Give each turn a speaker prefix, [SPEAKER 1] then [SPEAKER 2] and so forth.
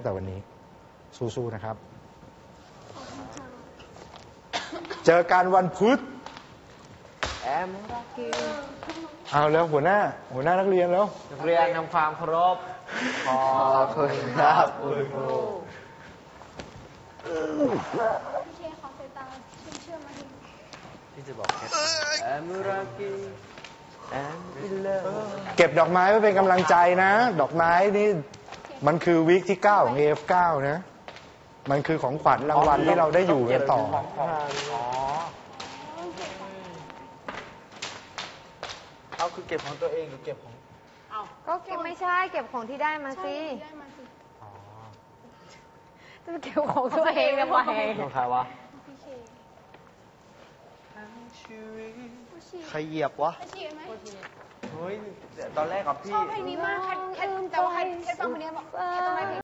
[SPEAKER 1] แต่วันนี้สู้ๆนะครับเจอกันวันพุธเอาแล้วหัวหน้านักเรียนแล้ว
[SPEAKER 2] นักเรียนทำความเคารพขอบคุณครับคุณครู
[SPEAKER 3] พี่เชขอสายตาเชื่อมมาดิ
[SPEAKER 2] ที่จะบอกแค่แอมรักกี้แอมอินเลิฟ
[SPEAKER 1] เก็บดอกไม้ไว้เป็นกำลังใจนะดอกไม้นี่มันคือวีคที่9ของ AF9 นะมันคือของขวัญรางวัลที่เราได้อยู่กันต่อ
[SPEAKER 2] เอาคือเก็บของตัวเองหรือเก็บของ
[SPEAKER 4] ก็เก็บไม่ใช่เก็บของที่ได้มาสิจะเก็บของตัวเองทำไม
[SPEAKER 2] ของใครวะใครเหยียบวะเฮ้ยตอนแรกกับพี่
[SPEAKER 3] ชอบเพลงนี้มากแต่ว่าใครฟังคนนี้บอกแค่ต้องไม่